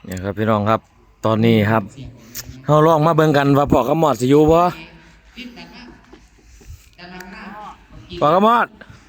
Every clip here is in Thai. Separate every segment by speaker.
Speaker 1: เนี่ยครับพี่น้องครับตอนนี้ครับเราลองมาเบิ่งกันว่าพ่อกับหมอดสิอยู่บ่พ่อกับหมอด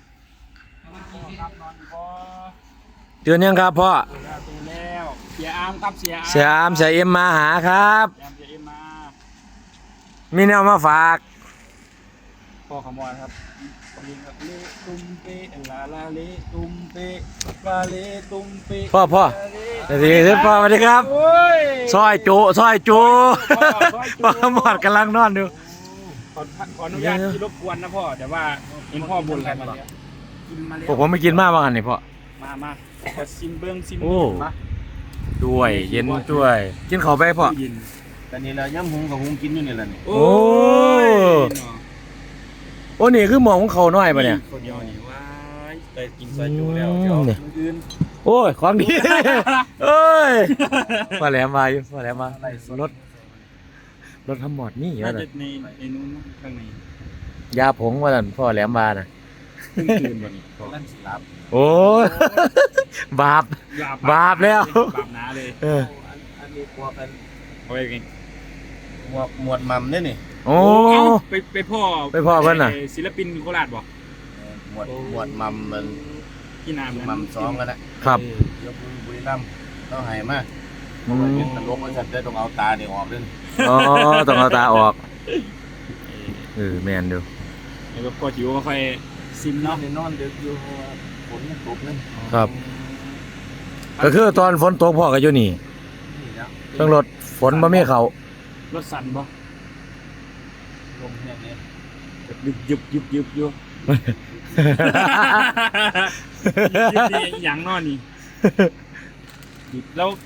Speaker 1: ตื่นยังครับพ่อ
Speaker 2: ตื่นแล้วเสียอามครับเสียอาม
Speaker 1: เสียอามเสียเอ็มมาหาครับ
Speaker 2: เสียเอ็มมา
Speaker 1: มีแนวมาฝาก
Speaker 2: พ่อขมวดครับลิงกับเลตุ้มเปลาลาเลตุ้มเปลาเลตุ้มเป
Speaker 1: พ่อสวัสดีครับพ่อสวัสดีครับซอยจุพ่อกับหมอดกำลังนอนอยู่
Speaker 2: ขออนุญาตที่รบกวนนะพ่อแต่ว่าเห็นพ่อบ่นอะไรมาแล้วกินมาแล้ว
Speaker 1: ผมไม่กินมากว่างันนี่พ่อ
Speaker 2: มาขอซิมเบิ้งซิมมา
Speaker 1: ด้วยเย็นด้วยกินข้าวไปพ่อ
Speaker 3: แต่นี่เราย่ำหุงกับหุงกินอยู่นี่แหละนี่
Speaker 1: โอ้นี่คือหมอของเขาน้อยปะเนี่ย
Speaker 2: คนเดียวนี่ว้ายไปกินซอยจูแล้วเดี๋ยวอื่น
Speaker 1: โอ้ยของดีเอ้ยมาแหลมมาอยู่มาแหลมมารถทำหมอดนี่เหรอ
Speaker 2: น่าจะในนู้นข้างใน
Speaker 1: ยาผงว่าสั่นพ่อแหลมมาน่ะ
Speaker 2: ตื่นวันนี้
Speaker 3: เล่นสิลับ
Speaker 1: โอ้ยบาปแล้ว
Speaker 2: บาปน้าเลย
Speaker 3: อันนี้กลัวเป็น
Speaker 2: เอาไปกิน
Speaker 3: หมวดมัมเนี่ยนี่
Speaker 1: โอ้
Speaker 2: ไปพ่อ
Speaker 1: เพิ่นน่ะ
Speaker 2: ศิลปินโคราชบอก
Speaker 3: หมวดมัมมัน
Speaker 2: ที่นาม
Speaker 3: มัมซ้อมกันนะครับยกมือบุรีรัมย์ต้องหายมากเป็นตลกมันจะได้ต้องเอาตาเนี่ยออกด้วย
Speaker 1: อ๋อต้องเอาตาออกแมนดู
Speaker 2: แล้วก็จิ๋วก็ค่อยซิมเนาะ
Speaker 3: นอนเด็กอยู่ฝนตกนั่น
Speaker 1: ครับก็คือตอนฝนตกพ่อก็อยู่นี่ต้องรถฝนบ่มีเขา
Speaker 2: รถสั่นบ่
Speaker 3: ลมแห้งเนี่ย
Speaker 2: ยุบอยู่อย่างนอนนี่แล้ว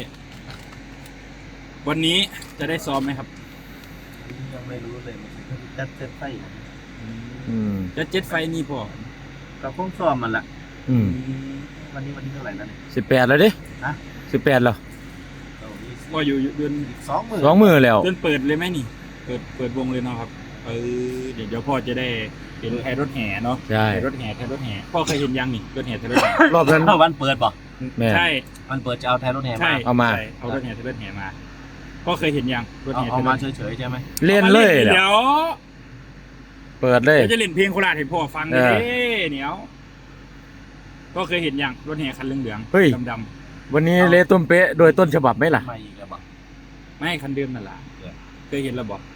Speaker 2: วันนี้จะได้ซ้อมไหมครับ
Speaker 3: ยังไม่รู้เลยจัดเซตไฟ
Speaker 2: จะเจ็ดไฟนี่พอ
Speaker 3: เราคงซ้อมมันละวันนี้เท่าไหร่แล้วเนี่ย
Speaker 1: 18แล้วดิ18แล้ว
Speaker 2: ก็อยู่เดือน
Speaker 1: 2 มื้อแล้ว
Speaker 2: เดือนเปิดเลยไหมนี่เปิดวงเลยเนาะครับเดี๋ยวพ่อจะได้เห็นแทนรถแห่เนาะ
Speaker 1: ใช่
Speaker 2: รถแห่พ่อเคยเห็นยังนี่รถแห่แทนรถแห่
Speaker 1: รอบนั้น
Speaker 3: วันเปิดป่ะ
Speaker 2: ใช่
Speaker 3: วันเปิดจะเอาแทนรถแห่มา
Speaker 1: เอา
Speaker 2: รถแห่แทนรถแห่มาพ่อเคยเห็นยังรถแห่
Speaker 3: เอามาเฉยๆใช่ไหม
Speaker 1: เล่นเลย
Speaker 2: เดี๋ยว
Speaker 1: เปิดเลย
Speaker 2: จะเล่นเพลงโคราชให้พ่อฟังเลยเหนียวก็เคยเห็นยังรถแห่คันเหลืองๆดำ
Speaker 1: ๆวันนี้เละต้มเป๊ะโดยต้นฉบับไหมล่ะ
Speaker 2: ไม่คันเดิมนั่นแหละเคยเห็นระบบ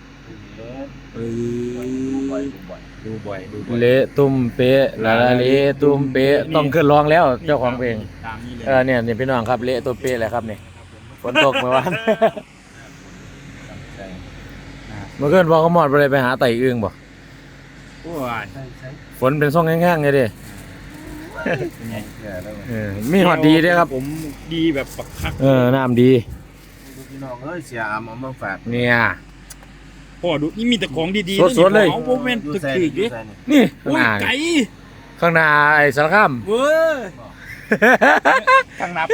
Speaker 2: ดูบ่อย
Speaker 1: เละตุ้มเป๊ะละเละตุ้มเป๊ะต้องขึ้นร้องแล้วเจ้าของเพลงเนี่ยพี่น้องครับเละตุ้มเป๊ะแหละครับนี่ฝนตกเมื่อวานเมื่อคืนพ่อก็หมดไปหาไต่อึ่งบ่ฝนเป็นซ่องแห้งๆไงดิมีหอดดีด้วยครับ
Speaker 2: ผมดีแบบปักคัก
Speaker 1: น้ำดี
Speaker 3: พี่น้องเสียอามเอามาฝาก
Speaker 1: เนี่ย
Speaker 2: พ่อดูนี่มีแต่ของดี
Speaker 1: ๆสดๆเลย
Speaker 2: ของโมเมนต์ตึกๆดิ
Speaker 1: นี่ข้างหน้าไอ้สารคาม
Speaker 2: ข้างหน้า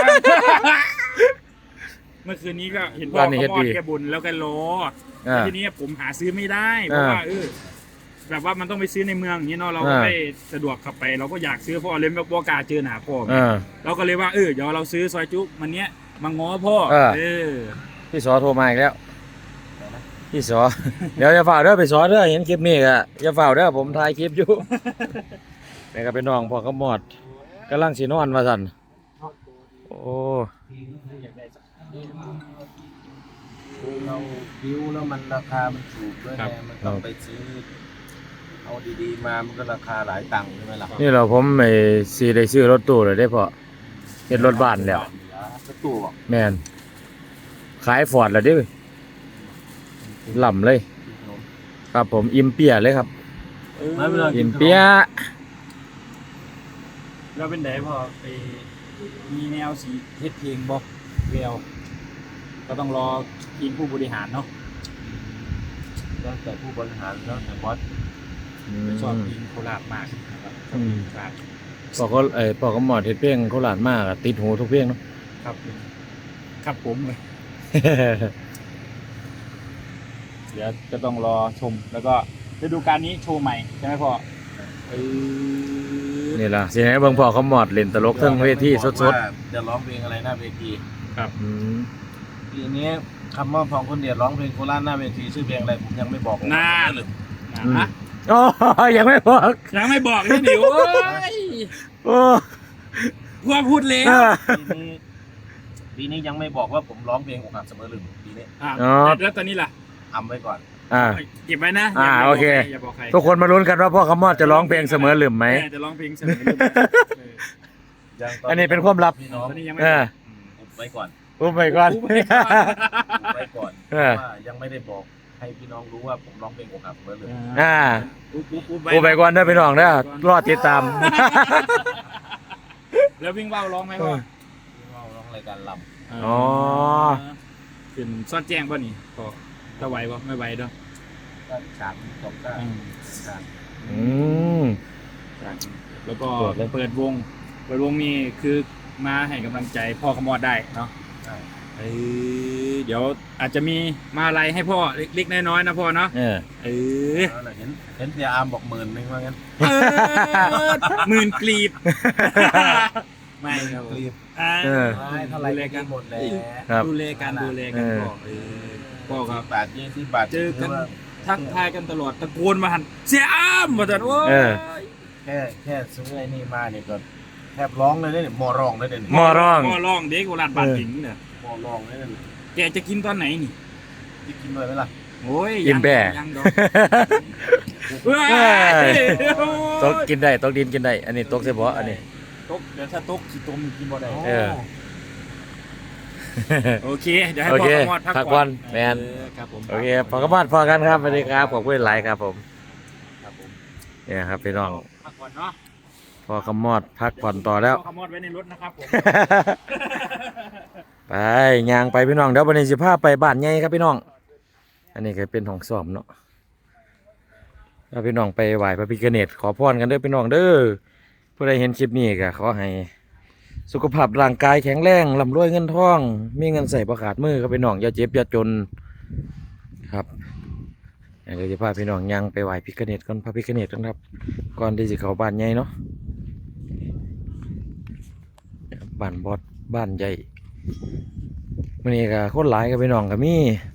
Speaker 2: เมื่อคืนนี้ก็เห็นพ่อเขามอดแกบุญแล้วแกโลทีนี้ผมหาซื้อไม่ได้เพราะว่าแบบว่ามันต้องไปซื้อในเมืองอย่างนี้เนาะเราก็ไม่สะดวกขับไปเราก็อยากซื้อพ่อเลยแบบบอกาเจอหนาพ่อเราก็เลยว่าเดี๋ยวเราซื้อซอยจุ๊มันเนี้ยมาง้อพ่อ
Speaker 1: พี่สอโทรมาอีกแล้วพี่สอเดี๋ยวจะฝ่าเด้อไปสอเด้อเห็นคลิปนี้ก็จะฝ่าเด้อผมถ่ายคลิปอยู่นี่ก็เป็นน้องพ่อก็หมดกำลังสีนอนมาสั่นโอ้
Speaker 3: เราบิวแล้วมันราคามันถูกด้วยไงมันต้องไปซื้อเอาดีๆมามันก็ราคาหลายตังค์ใช่ไหมล่ะ
Speaker 1: นี่เราผมไม่ซีได้ซื้อรถตู้เลยได้พอเห็นรถบ้านแล้ว
Speaker 3: รถตู้
Speaker 1: แมนขายฟอร์ดแล้วดิหล่ำเลยครับผมอิมเปียเลยครับอิมเปีย
Speaker 2: เราเป็นไหนพอไปมีแนวสีเฮ็ดเพลงบอกเวลก็ต้องรอทีมผู้บริหารเนาะ
Speaker 3: แล้วแต่ผู้บริหารแล้วแต่บอส
Speaker 2: ชอบเพลงโคราชมากครับ
Speaker 1: พอก็หมอดเฮ็ดเพลงโคราชมากติดหูทุกเพลงเนาะ
Speaker 2: ครับผมเลยเดี๋ยวจะต้องรอชมแล้วก็ฤดูกาลนี้โชว์ใหม่ใช่ไหมพ่อ
Speaker 1: นี่ล่ะสิให้เบิ่งพ่อเขาหมอดเล่นตลกทั้งเวทีสด
Speaker 3: ๆจะร้องเพลงอะไรหน้าเวที
Speaker 2: ครับ
Speaker 1: อืม
Speaker 3: ปีนี้คำว่าพองคนเดียดร้องเพลงโคราชหน้าเวทีชื่อเพลงอะไรผมยังไม่บอก
Speaker 2: น่า
Speaker 3: เลย
Speaker 2: ฮะ
Speaker 1: โอ้ยังไม่บอก
Speaker 2: ยังไม่บอกนี่ดิโอ้ย
Speaker 1: โอ้
Speaker 2: พวกพูดแล้ว
Speaker 3: ปีนี้ยังไม่บอกว่าผมร้องเพลงอกหักเสมอลืมปีนี้
Speaker 2: อ่ะ
Speaker 1: อ๋อ
Speaker 2: แล้วตอนนี้ล่ะ
Speaker 3: ทำไว้ก่อน
Speaker 1: อ่า
Speaker 2: เก็บไว้นะ
Speaker 1: อ่า
Speaker 2: ย่า
Speaker 1: โอเค
Speaker 2: อย่าบอกใคร
Speaker 1: ทุกคนมาลุ้นกันว่าพ่อคำมอดจะร้องเพลงเสมอหรือไหม
Speaker 2: จะร้องเพลงเสมอหรือไม่
Speaker 3: ยัง
Speaker 1: อันนี้เป็นความลับ
Speaker 3: พี่น้อง
Speaker 2: ตอนนี้ยังไม่
Speaker 1: เออ
Speaker 3: อุบไว้ก่อน
Speaker 1: อุ้มไปก่อน
Speaker 2: อุบไว้ก่อน
Speaker 3: อุบไว้ก่อน
Speaker 1: เออ
Speaker 3: ว่ายังไม่ได้บอกให้พี่น้องรู้ว่าผมร้องเพลงอกหักเสมอลืม
Speaker 1: อ่า
Speaker 2: อุบ
Speaker 1: อุ้มไปก่อนเด้อพี่น้องเด้อรอติดตาม
Speaker 2: แล้ววิ่งว่าวร้องไหมพ่อ
Speaker 3: พี่น้องร้องรายการล
Speaker 1: อ๋อ
Speaker 2: ขึ้นซ่อนแจ้งป่ะนี่ก็ถ้าไหวป่ะไม่ไหวเด้อ
Speaker 3: ำก็ฉากจบก็ฉาก
Speaker 1: อืม
Speaker 2: แล้วก็
Speaker 1: เปิดเลย
Speaker 2: เปิดวงนี่คือมาให้กำลังใจพ่อขมอดได้เนาะ
Speaker 3: ใช่
Speaker 2: เดี๋ยวอาจจะมีมาอะไรให้พ่อเล็กๆน้อยๆนะพ่อเนาะ
Speaker 1: เออ
Speaker 3: แล้วน่ะเห็นเสียอาร์มบอก10,000ว่างั้น
Speaker 2: หมื่นกลีบ ไม่ครับ
Speaker 3: รีบ
Speaker 1: เออ
Speaker 3: ไม่เท่าไหรก็หมดแล้ว
Speaker 1: ครับ
Speaker 2: ดูแลกันพ่อพ่อครับ
Speaker 3: บาท20 บาท
Speaker 2: เจอกัน
Speaker 3: ถืว่า
Speaker 2: ทักทายกันตลอดตะโกนมาหันเสียอ้ามมาจัดโอ้ย
Speaker 1: เออ
Speaker 3: แค่ซื้อไอ้นี่มาเนี่ยก็แทบร้องเลยเนี่ยมอร้องเลยเนี่ย
Speaker 1: หม้อร้อง
Speaker 2: หม้อร้องเด็กโบราณบาดหญิงเนี่ย
Speaker 3: มอร้องเลยเนี่ย
Speaker 2: แกจะกินตอนไหนนี่
Speaker 3: จะกินเลยไหมล่ะ
Speaker 2: โอ้ย
Speaker 1: กินแบ่
Speaker 2: ยังดอกเฮ้ย
Speaker 1: ตกกินได้ตกดินกินได้ อันนี้ตกเฉพาะอันนี้
Speaker 2: ตกเดี๋ยวถ้าตกขี้ตมกินบ่ได้
Speaker 1: เออ
Speaker 2: โอเคเดี๋ยวให้
Speaker 1: โอ
Speaker 2: พ่อ
Speaker 1: เค
Speaker 2: ขมอดพัก
Speaker 1: พักก่
Speaker 2: ก่
Speaker 1: อ
Speaker 2: อน น
Speaker 1: แมน
Speaker 2: ครับผม
Speaker 1: โอเคพอกระมาดพอกันครับสวัสดีครับขอบคุณหลายครับผม
Speaker 2: ครับผม
Speaker 1: เนี่ยครับพี่น้อง
Speaker 2: พักก่อนเนาะ
Speaker 1: พอกระมอดพักผ่อนต่อแล้ว
Speaker 2: พ่อขมอดไว้ในรถนะครับผม
Speaker 1: ไปย่างไปพี่น้องเดี๋ยววันนี้สิพาไปบ้านใหญ่ครับพี่น้อง อันนี้ก็เป็นห้องซ้อมเนาะแล้วพี่น้องไปไหว้พระพิฆเนศขอพรกันเด้อพี่น้องเด้อผู้ใดเห็นคลิปนี้ก็ขอให้สุขภาพร่างกายแข็งแรงร่ำรวยเงินทอง มีเงินใส่ประขาดมือครับพี่น้องอย่าเจ็บอย่าจนครับเดี๋ยวจะพาพี่น้องย่างไปไหว้พิฆเนศก่อนพระพิฆเนศกันครับก่อนที่จะเข้าบ้านใหญ่เนาะบ้านบอดบ้านใหญ่มื้อนี้ก็คนหลายกับพี่น้องก็มี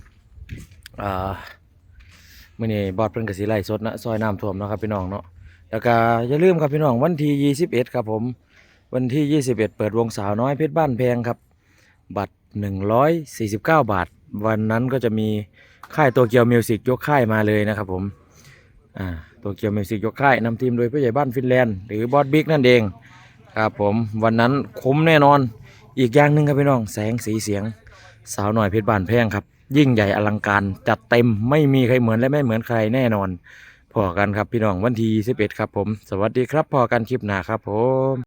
Speaker 1: มื้อนี้บอดเพิ่นก็สิไล่สดนะซอยน้ำท่วมเนาะครับพี่น้องเนาะแล้วก็อย่าลืมครับพี่น้องวันที่21ครับผมวันที่21เปิดวงสาวน้อยเพชรบ้านแพงครับบัตร149 บาทวันนั้นก็จะมีค่ายโตเกียวมิวสิกยกค่ายมาเลยนะครับผมโตเกียวมิวสิกยกค่ายนำทีมโดยผู้ใหญ่บ้านฟินแลนด์หรือบอสบิ๊กนั่นเองครับผมวันนั้นคุ้มแน่นอนอีกอย่างหนึ่งครับพี่น้องแสงสีเสียงสาวน้อยเพชรบ้านแพงครับยิ่งใหญ่อลังการจัดเต็มไม่มีใครเหมือนและไม่เหมือนใครแน่นอนพอกันครับพี่น้องวันที่21ครับผมสวัสดีครับพอกันคลิปหน้าครับผม